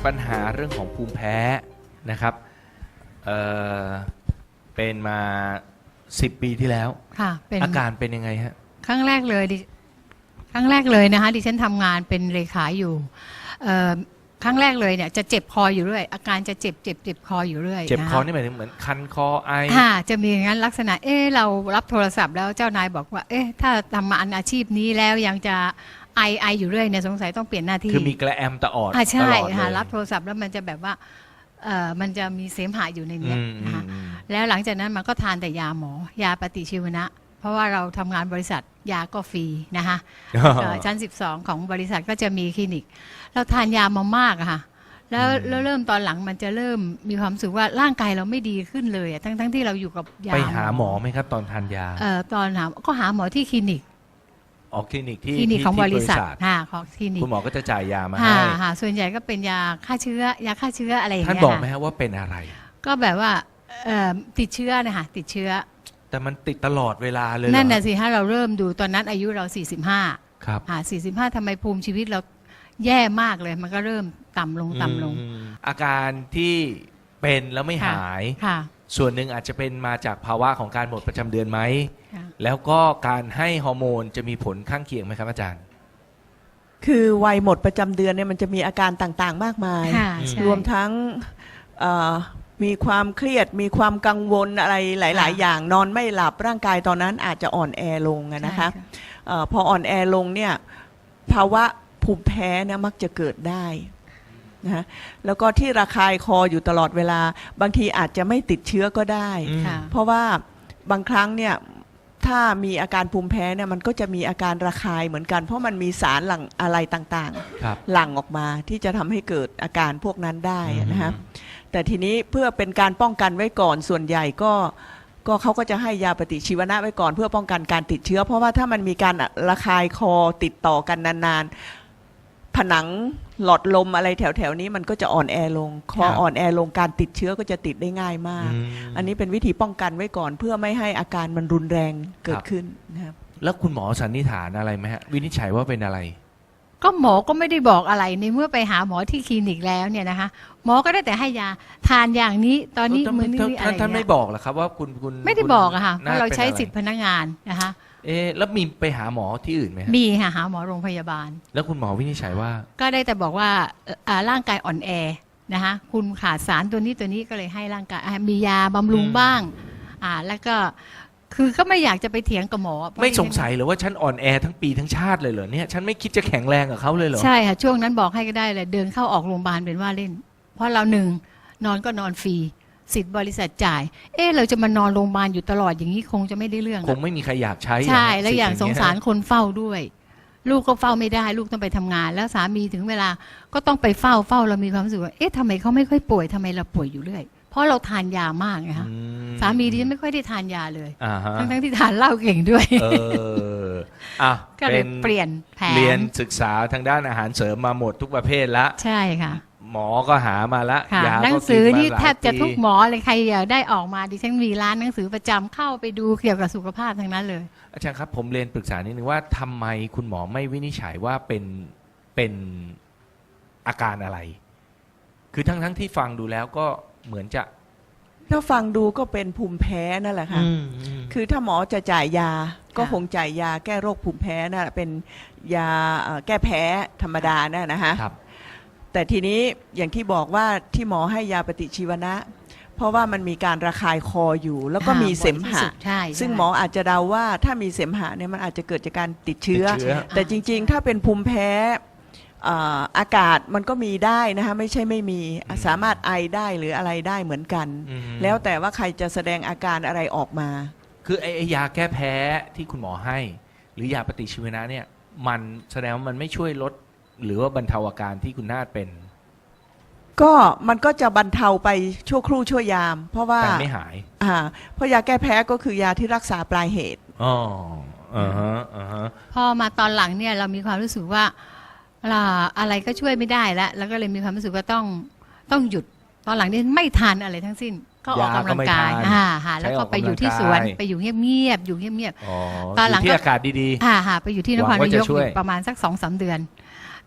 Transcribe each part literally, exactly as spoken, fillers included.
ปัญหาเรื่องของภูมิแพ้นะครับเอ่อเป็นมาสิบปีที่แล้วค่ะเป็นอาการเป็นยังไงฮะครั้งแรกเลยดิครั้งแรกเลยนะคะดิฉันทำงานเป็นเลขาอยู่เอ่อครั้งแรกเลยเนี่ยจะเจ็บคออยู่เรื่อยอาการจะเจ็บเจ็บเจ็บคออยู่เรื่อยเจ็บคอนี่หมายถึงเหมือนคันคอไอค่ะจะมีอย่างนั้นลักษณะเอ๊ะเรารับโทรศัพท์แล้วเจ้านายบอกว่าเอ๊ะถ้าทำมาอันอาชีพนี้แล้วยังจะไอไออยู่เรื่อยเนี่ยสงสัยต้องเปลี่ยนหน้าที่คือมีกระแอมตะออดอ่าใช่ตลอดเลยค่ะรับโทรศัพท์แล้วมันจะแบบว่าเอ่อมันจะมีเสมหะอยู่ในนี้นะคะแล้วหลังจากนั้นมันก็ทานแต่ยาหมอยาปฏิชีวนะเพราะว่าเราทำงานบริษัทยาก็ฟรีนะคะชั้นสิบสองของบริษัทก็จะมีคลินิกเราทานยามามากอะค่ะแล้วเริ่มตอนหลังมันจะเริ่มมีความรู้สึกว่าร่างกายเราไม่ดีขึ้นเลยทั้งทั้งที่เราอยู่กับยาไปหาหมอไหมครับตอนทานยาเอ่อตอนหาก็หาหมอที่คลินิกออกคลินิกที่คลินิกของบริษัทค่ะของคลินิกคุณหมอก็จะจ่ายยามาให้ค่ะส่วนใหญ่ก็เป็นยาฆ่าเชื้อยาฆ่าเชื้ออะไรอย่างเงี้ยท่านบอกไหมฮะว่าเป็นอะไรก็แบบว่าติดเชื้อนะคะติดเชื้อแต่มันติดตลอดเวลาเลยนั่นน่ะสิถ้าเราเริ่มดูตอนนั้นอายุเราสี่สิบห้าครับค่ะสี่สิบห้าทำไมภูมิชีวิตเราแย่มากเลยมันก็เริ่มต่ำลงต่ำลงอาการที่เป็นแล้วไม่หายค่ะส่วนหนึ่งอาจจะเป็นมาจากภาวะของการหมดประจำเดือนไหมแล้วก็การให้ฮอร์โมนจะมีผลข้างเคียงไหมครับอาจารย์คือวัยหมดประจำเดือนเนี่ยมันจะมีอาการต่างๆมากมายรวมทั้งมีความเครียดมีความกังวลอะไรหลายๆอย่างนอนไม่หลับร่างกายตอนนั้นอาจจะอ่อนแอลงนะคะพออ่อนแอลงเนี่ยภาวะภูมิแพ้เนี่ยมักจะเกิดได้นะแล้วก็ที่ระคายคออยู่ตลอดเวลาบางทีอาจจะไม่ติดเชื้อก็ได้เพราะว่าบางครั้งเนี่ยถ้ามีอาการภูมิแพ้เนี่ยมันก็จะมีอาการระคายเหมือนกันเพราะมันมีสารหลั่งอะไรต่างๆหลั่งออกมาที่จะทำให้เกิดอาการพวกนั้นได้นะฮะแต่ทีนี้เพื่อเป็นการป้องกันไว้ก่อนส่วนใหญ่ก็ก็เขาก็จะให้ยาปฏิชีวนะไว้ก่อนเพื่อป้องกันการติดเชื้อเพราะว่าถ้ามันมีการระคายคอติดต่อกันนานๆผนังหลอดลมอะไรแถวๆนี้มันก็จะอ่อนแอลงคออ่อนแอลงการติดเชื้อก็จะติดได้ง่ายมากอันนี้เป็นวิธีป้องกันไว้ก่อนเพื่อไม่ให้อาการมันรุนแรงเกิดขึ้นนะครับแล้วคุณหมอสันนิษฐานอะไรไหมฮะวินิจฉัยว่าเป็นอะไรก็หมอก็ไม่ได้บอกอะไรในเมื่อไปหาหมอที่คลินิกแล้วเนี่ยนะคะหมอก็ได้แต่ให้ยาทานอย่างนี้ตอนนี้มือนี้อะไรท่านไม่บอกหรอครับว่าคุณคุณไม่ได้บอกอะค่ะเพราะเราใช้สิทธิพนักงานนะคะเอ๊แล้วมีไปหาหมอที่อื่นไหมมีค่ะหาหมอโรงพยาบาลแล้วคุณหมอวินิจฉัยว่าก็ได้แต่บอกว่าร่างกายอ่อนแอนะคะคุณขาดสารตัวนี้ตัวนี้ก็เลยให้ร่างกายมียาบำรุงบ้างอ่าแล้วก็คือก็ไม่อยากจะไปเถียงกับหมอไม่สงสัยหรือว่าฉันอ่อนแอทั้งปีทั้งชาติเลยเหรอเนี่ยฉันไม่คิดจะแข็งแรงกับเขาเลยเหรอใช่ค่ะช่วงนั้นบอกให้ก็ได้เลยเดินเข้าออกโรงพยาบาลเป็นว่าเล่นเพราะเราหนึ่งนอนก็นอนฟรีสิทธิ์บริษัทจ่ายเอ๊ะเราจะมานอนโรงพยาบาลอยู่ตลอดอย่างนี้คงจะไม่ได้เรื่องคงไม่มีใครอยากใช้ใช่แล้วอย่างสงสารคนเฝ้าด้วยลูกก็เฝ้าไม่ได้ลูกต้องไปทำงานแล้วสามีถึงเวลาก็ต้องไปเฝ้าเฝ้าเรามีความรู้สึกว่าเอ๊ะทำไมเขาไม่ค่อยป่วยทำไมเราป่วยอยู่เรื่อยเพราะเราทานยามากไงคะสามีดิฉันไม่ค่อยได้ทานยาเลยทั้งทั้งที่ทานเหล้าเก่งด้วยเอออ่ะก็เลยเปลี่ยนแผนเรียนศึกษาทางด้านอาหารเสริมมาหมดทุกประเภทละใช่ค่ะหมอก็หามาละยาหนังสือที่แทบจะทุกหมอเลยใครอยากได้ออกมาดิฉันมีร้านหนังสือประจำเข้าไปดูเกี่ยวกับสุขภาพทั้งนั้นเลยอาจารย์ครับผมเรียนปรึกษานิดนึงว่าทำไมคุณหมอไม่วินิจฉัยว่าเป็นเป็นอาการอะไรคือทั้งทั้งที่ฟังดูแล้วก็เหมือนจะถ้าฟังดูก็เป็นภูมิแพ้นั่นแหละค่ะคือถ้าหมอจะจ่ายยาก็คงจ่ายยาแก้โรคภูมิแพ้น่ะเป็นยาแก้แพ้ธรรมดาน่ะนะฮะแต่ทีนี้อย่างที่บอกว่าที่หมอให้ยาปฏิชีวนะเพราะว่ามันมีการระคายคออยู่แล้วก็มีเสมหะซึ่งหมออาจจะเดาว่าถ้ามีเสมหะเนี่ยมันอาจจะเกิดจากการติดเชื้อแต่จริงๆถ้าเป็นภูมิแพ้อากาศมันก็มีได้นะคะไม่ใช่ไม่มีสามารถไอได้หรืออะไรได้เหมือนกันแล้วแต่ว่าใครจะแสดงอาการอะไรออกมาคือไอ้ยาแก้แพ้ที่คุณหมอให้หรือยาปฏิชีวนะเนี่ยมันแสดงว่ามันไม่ช่วยลดหรือว่าบรรเทาอาการที่คุณนาฏเป็นก็มันก็จะบรรเทาไปชั่วครู่ชั่วยามเพราะว่าแต่ไม่หายอ่าเพราะยาแก้แพ้ก็คือยาที่รักษาปลายเหตุอ๋ออ่าฮะอ่าฮะพอมาตอนหลังเนี่ยเรามีความรู้สึกว่าอะไรก็ช่วยไม่ได้แล้วแล้วก็เลยมีความรู้สึกว่าต้องต้องหยุดตอนหลังนี้ไม่ทานอะไรทั้งสิ้นก็ออกกำลังกายอ่าฮะแล้วก็ไปอยู่ที่สวนไปอยู่เงียบๆอยู่เงียบๆตอนหลังที่อากาศดีๆอ่าฮะไปอยู่ที่นครนายกประมาณสักสองสามเดือนท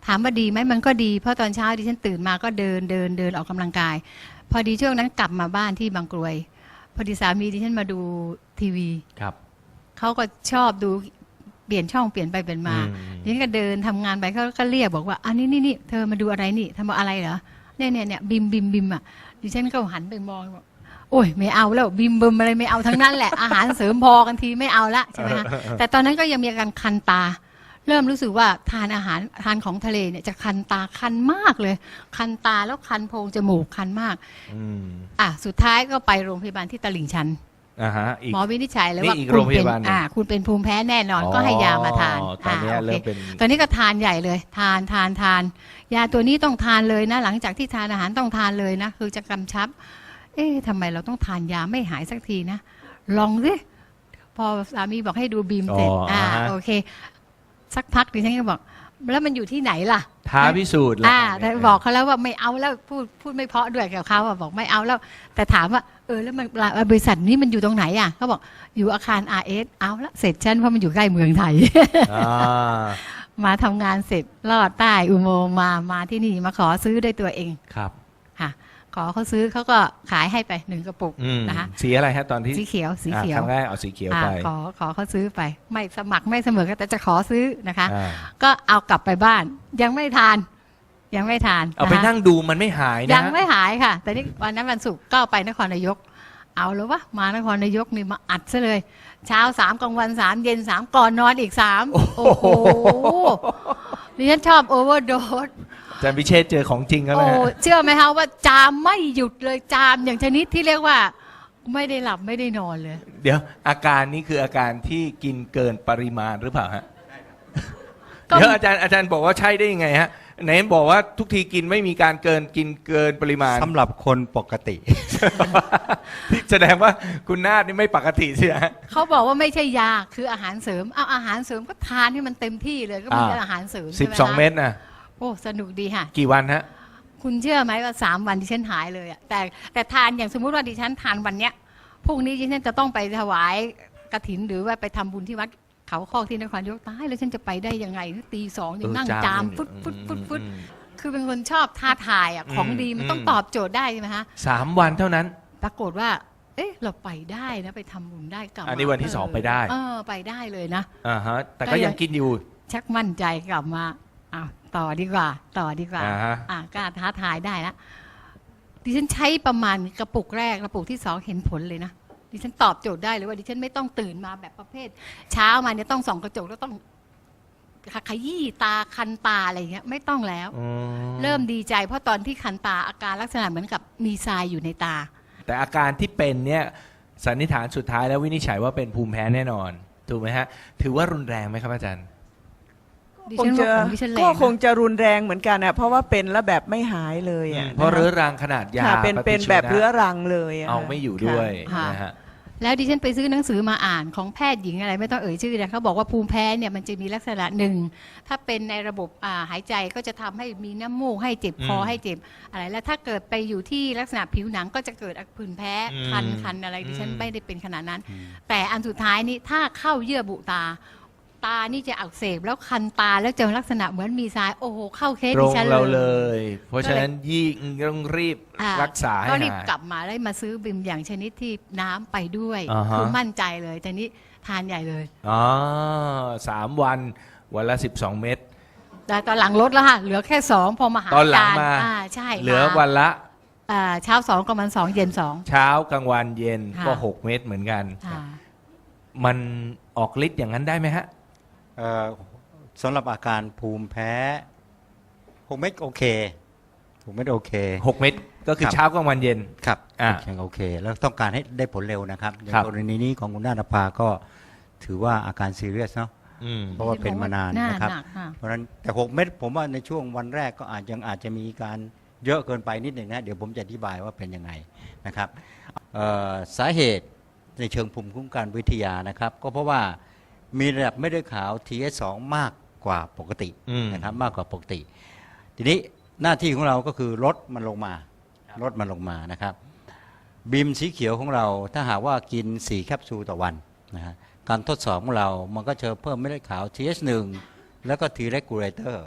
ถามว่าดีไหมมันก็ดีเพราะตอนเช้าดิฉันตื่นมาก็เดินเดินเดินออกกำลังกาย พอดีช่วงนั้นกลับมาบ้านที่บางกรวยพอดีสามีดิฉันมาดูทีวีครับเขาก็ชอบดูเปลี่ยนช่องเปลี่ยนไปเปลี่ยนมาอืมดิฉันก็เดินทำงานไปเขาก็เรียกบอกว่าอันนี้นี่นี่เธอมาดูอะไรนี่ทำอะไรเหรอเนี่ยเนี่ยเนี่ยบิมบิมบิมอ่ะดิฉันก็หันไปมองบอกโอ้ยไม่เอาแล้วบิมบิมอะไรไม่เอาทั้งนั้นแหละ อาหารเสริมพอกันทีไม่เอาละใช่ไหมคะแต่ตอนนั้นก็ยังมีอาการคันตา เริ่มรู้สึกว่าทานอาหารทานของทะเลเนี่ยจะคันตาคันมากเลย คันตาแล้วคันโพรงจมูกคันมากอืมอ่ะสุดท้ายก็ไปโรงพยาบาลที่ตลิ่งชันอ่าฮะอีกหมอวินิจฉัยเลยว่านี่อีกคุโรณงพเป็นยาบาลหนึ่งอ่าคุณเป็นภูมิแพ้แน่นอนก็ให้ยามาทานอ๋อตอนเนี้ยาโคเริ่มเป็นตอนนี้ก็ทานใหญ่เลย ทานทานทานยาตัวนี้ต้องทานเลยนะ หลังจากที่ทานอาหารต้องทานเลยนะคือจะกำชับ เอ๊ะทำไมเราต้องทานยาไม่หายสักทีนะ ลองสิพอสามีบอกให้ดูบีมเสร็จอ๋ออ่าอ่าฮะโอเค สักพักดิฉันก็บอก แล้วมันอยู่ที่ไหนล่ะท้าพิสูจน์อ่าแล้วแต่บอกเขาแล้วว่าไม่เอาแล้วพูดพูดไม่เพราะด้วยกับเขาอะบอกไม่เอาแล้ว แต่ถามว่าเออแล้วมันบริษัทนี้มันอยู่ตรงไหนอ่ะเขาบอกอยู่อาคาร อาร์ เอส เอาละเสร็จฉันเพราะมันอยู่ใกล้เมืองไทยอ่ามาทำงานเสร็จลอดใต้อุโมงค์มามาที่นี่มาขอซื้อด้วยตัวเองครับค่ะ ขอเขาซื้อเขาก็ขายให้ไปหนึ่งกระปุกอืมนะคะสีอะไรฮะตอนที่สีเขียวสีอ่าเขียคว รั้งแรกเอาสีเขียวอ่าไปขอขอเขาซื้อไป ไม่สมัครไม่เสมอกันแต่จะขอซื้อนะคะอ่าก็เอากลับไปบ้าน ยังไม่ทาน ยังไม่ทานเอาไปะคะนั่งดูมันไม่หายนะยังไม่หายค่ะ แต่นี่วันนั้นวันศุกร์ก็ไปนครนายก เอาแล้ววะมานครนายกนี่มาอัดซะเลย เช้าสามกลางวันสามเย็นสามก่อนนอนอีกสามโอ้โหดิฉันชอบโอเวอร์โดสอาจารย์พิเชษเจอของจริงแล้วโอ้นะฮะเชื่อไหมคะว่าจามไม่หยุดเลยจามอย่างชนิดที่เรียกว่า ไม่ได้หลับไม่ได้นอนเลยเดี๋ยวอาการนี้คืออาการที่กินเกินปริมาณหรือเปล่าฮะก็เดี๋ยวอาจารย์อาจารย์บอกว่าใช่ได้ยังไงฮะไหนบอกว่าทุกทีกินไม่มีการเกินกินเกินปริมาณสำหรับคนปกติที่แสดงว่าคุณนาฏนี่ไม่ปกติใช่ไหมฮะเขาบอกว่าไม่ใช่ยาคืออาหารเสริมเอาอาหารเสริมก็ทานให้มันเต็มที่เลยก็มีอ่าอาหารเสริมสิบใช่ไหสองคะเม็ดนะโอ้สนุกดีค่ะกี่วันฮะคุณเชื่อไหมว่าสามวันดิฉันหายเลยอะแต่แต่ทานอย่างสมมุติว่าดิฉันทานวันเนี้ยพรุ่งนี้ดิฉันจะต้องไปถวายกฐินหรือว่าไปทำบุญที่วัดเขาคอกที่นครนายกตายแล้วฉันจะไปได้ยังไงตีสองยังนั่งเออจามเลยฟุดฟุดฟุดฟุดอืมคือเป็นคนชอบท้าทายอะของดีมันต้องอืมตอบโจทย์ได้ใช่ไหมฮะสามวันเท่านั้นปรากฏว่า เอ๊ะเราไปได้นะไปทำบุญได้กลับมาอันนี้วันที่สองไปได้เออไปได้เลยนะอ่าฮะ แต่ก็ก็ยัยัง งกินอยู่ชักมั่นใจกลับมาอ้าวต่อดีกว่า ต่อดีกว่าอ่าฮะอ่ากล้าท้าทายได้ละดิฉันใช้ประมาณกระปุกแรกกระปุกที่สองเห็นผลเลยนะดิฉันตอบโจทย์ได้เลยว่าดิฉันไม่ต้องตื่นมาแบบประเภท เช้ามาเนี่ยต้องส่องกระจกแล้วต้องขยี้ตาคันตาอะไรอย่างเงี้ยไม่ต้องแล้วอืเริ่มดีใจเพราะตอนที่คันตาอาการลักษณะเหมือนกับมีทรายอยู่ในตาแต่อาการที่เป็นเนี่ยสันนิษฐานสุดท้ายแล้ววินิจฉัยว่าเป็นภูมิแพ้แน่นอน ถูกไหมฮะ ถือว่ารุนแรงไหมครับอาจารย์ดิคฉังนจะว่าของดิฉันแรงก็คงนะจะรุนแรงเหมือนกันอ่ะเพราะว่าเป็นแล้วแบบไม่หายเลยอ่ะเพราะนคเรื้อรังขนาดยาค่ะเป็นปฏิเป็นชีวนะแบบเรื้อรังเลยะเอาไม่อยู่ด้วยค่ะนะฮะแล้วดิฉันไปซื้อหนังสือมาอ่านของแพทย์หญิงอะไรไม่ต้องเอ่ยชื่อนะเขาบอกว่าภูมิแพ้เนี่ยมันจะมีลักษณะหนึ่งถ้าเป็นในระบบอ่าหายใจก็จะทำให้มีน้ำมูกให้เจ็บคออืมให้เจ็บอะไรแล้วถ้าเกิดไปอยู่ที่ลักษณะผิวหนังก็จะเกิดผื่นแพ้อืมคันคันอะไรดิฉันอืมไม่ได้เป็นขนาดนั้น แต่อันสุดท้ายนี้ถ้าเข้าเยื่อบุตา ตานี่จะอักเสบแล้วคันตาแล้วเจอลักษณะเหมือนมีทรายโอ้โหเข้าเคสตรดิงฉันเราเลเลย ย เพราะฉะนั้นยิ่งต้องรีบอ่ารักษาให้ก็รีบหายกลับมาแล้วมาซื้อบิมอย่างชนิดที่น้ำไปด้วยอ่าฮะคือมั่นใจเลยแต่นี้ทานใหญ่เลยอ๋อสามวันวันละสิบสองเม็ดแต่ตอนหลังลดแล้วค่ะ เหลือแค่สองพอมาหาตอนหลังจรย์มาอ่าใช่เหลือมาวันละอ่าเช้าสองกลางวันสองเย็นสองเช้ากลางวันเย็นค่ะก็หกเม็ดเหมือนกันค่ะมันออกฤทธิ์อย่างนั้นได้ไหมฮะเอ่อสำหรับอาการภูมิแพ้ผมไม่โอเคผมไม่โอเคหกเม็ดก็คือครับเช้ากลางวันเย็นครับอ่ายังโอเค แล้วต้องการให้ได้ผลเร็วนะครับในครับกรณีนี้ของคุณนาฏภาก็ถือว่าอาการซีเรียสเนาะอืมเพราะว่าเป็นมานานหนะครับหกค่ะเพราะฉะนั้นแต่หกเม็ดผมว่าในช่วงวันแรกก็อาจยังอาจจะมีการเยอะเกินไปนิดหนึ่งนะเดี๋ยวผมจะอธิบายว่าเป็นยังไงนะครับเอ่อสาเหตุในเชิงภูมิคุ้มกันวิทยานะครับ ก็เพราะว่ามีระดับเม็ดเลือดขาว ที เอส สอง มากกว่าปกติอืมนะครับมากกว่าปกติ ทีนี้หน้าที่ของเราก็คือลดมันลงมาลดมันลงมานะครับบีมสีเขียวของเราถ้าหากว่ากินสี่แคปซูลต่อวันนะฮะการทดสอบของเรามันก็จะเพิ่มเม็ดเลือดขาว ที เอส หนึ่ง แล้วก็ T regulator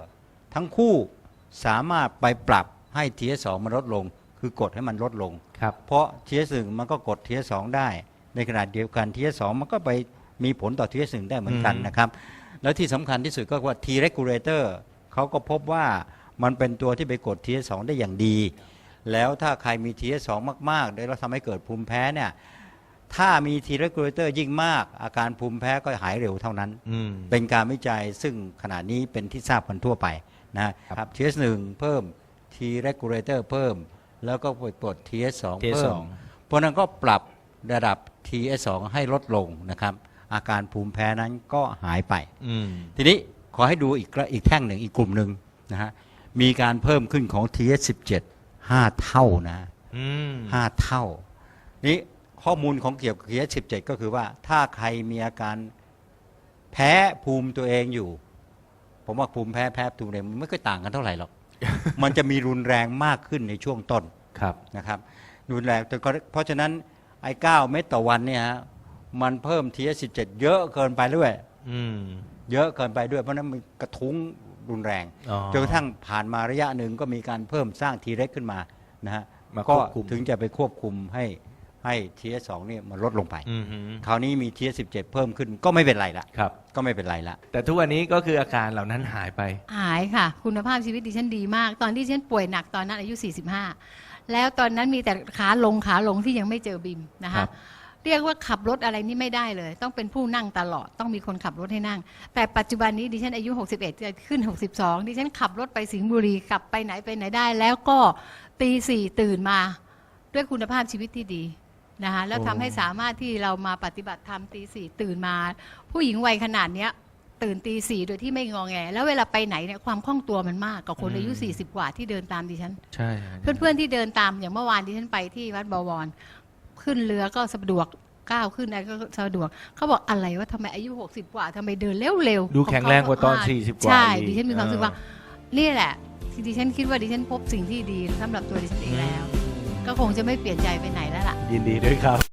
ทั้งคู่สามารถไปปรับให้ ที เอส สอง มันลดลง คือกดให้มันลดลงครับเพราะ ที เอส หนึ่ง มันก็กด ที เอส สอง ได้ ในขณะเดียวกัน ที เอส สอง มันก็ไปมีผลต่อ ที เอส หนึ่ง ได้เหมือนกันอืมนะครับ แล้วที่สำคัญที่สุดก็ว่า T regulator เขาก็พบว่ามันเป็นตัวที่ไปกด ที เอส สอง ได้อย่างดี แล้วถ้าใครมี ที เอส สอง มากๆแล้วทำให้เกิดภูมิแพ้เนี่ยถ้ามี T regulator ยิ่งมากอาการภูมิแพ้ก็หายเร็วเท่านั้นอืมเป็นการวิจัยซึ่งขณะนี้เป็นที่ทราบกันทั่วไปนะครับ ที เอส หนึ่ง เพิ่ม T regulator เพิ่ม แล้วก็ไปกด ที เอส สองที เอสเพิ่สมองเพราะนั้นก็ปรับระดับ ที เอส สอง ให้ลดลงนะครับอาการภูมิแพ้นั้นก็หายไปอืมทีนี้ขอให้ดูอีกอีกแท่งหนึ่งอีกกลุ่มหนึ่งนะฮะมีการเพิ่มขึ้นของ ที เอส สิบเจ็ด ห้า เท่านะอืมห้าเท่านี้ข้อมูลของเกี่ยวกับ ที เอส สิบเจ็ด ก็คือว่าถ้าใครมีอาการแพ้ภูมิตัวเองอยู่ ผมว่าภูมิแพ้แพ้ภูมิตัวเองมันไม่ค่อยต่างกันเท่าไหร่หรอก มันจะมีรุนแรงมากขึ้นในช่วงต้นครับนะครับรุนแรงแต่ก็เพราะฉะนั้นไอ้เก้าเม็ดต่อวันเนี่ยฮะมันเพิ่ม ที เอส สิบเจ็ด เยอะเกินไปด้วยอืมเยอะเกินไปด้วยเพราะฉะนั้นมันกระทุ้งรุนแรงอ๋อจนกระทั่งผ่านมาระยะหนึ่งก็มีการเพิ่มสร้างทีเร็กขึ้นมานะฮะมาคก็วบคุมถึงจะไปควบคุมให้ให้ ที เอส สอง นี่มันลดลงไปอืมฮึคราวนี้มี ที เอส สิบเจ็ด เพิ่มขึ้นก็ไม่เป็นไรละครับก็ไม่เป็นไรละแต่ทุกวันนี้ก็คืออาการเหล่านั้นหายไปหายค่ะ คุณภาพชีวิตดิฉันดีมาก ตอนที่ดิฉันป่วยหนักตอนนั้นอายุ สี่สิบห้า แล้วตอนนั้นมีแต่ขาลงขาลงที่ยังไม่เจอบิมนะครัคะบเรียกว่าขับรถอะไรนี่ไม่ได้เลย ต้องเป็นผู้นั่งตลอดต้องมีคนขับรถให้นั่ง แต่ปัจจุบันนี้ดิฉันอายุ หกสิบเอ็ด จะขึ้น หกสิบสอง ดิฉันขับรถไปสิงห์บุรีกลับไปไหนไปไหนได้ แล้วก็ตีสี่ตื่นมา ด้วยคุณภาพชีวิตที่ดีนะคะแล้วทำให้สามารถที่เรามาปฏิบัติธรรมตีสี่ตื่นมา ผู้หญิงวัยขนาดเนี้ยตื่นตีสี่โดยที่ไม่งอแง แล้วเวลาไปไหนเนี่ยความคล่องตัวมันมากกว่าคนอายุอืมสี่สิบกว่าที่เดินตามดิฉันใช่เพื่อนๆที่เดินตามอย่างเมื่อวานที่ฉันไปที่วัดบวรขึ้นเรือก็สะดวกก้าวขึ้นอะไรก็สะดวกเขาบอกอะไรว่าทำไมอายุหกสิบกว่าทำไมเดินเร็วๆดูแข็งแรงกว่าตอนขงเขสี่สิบกว่าใช่อีกดิฉันมีความรู้สึกว่าเออนี่แหละที่ดิฉันคิดว่าดิฉันพบสิ่งที่ดีสำหรับตัวดิฉันเองแล้ว ก็คงจะไม่เปลี่ยนใจไปไหนแล้วล่ะยินดีด้วยครับ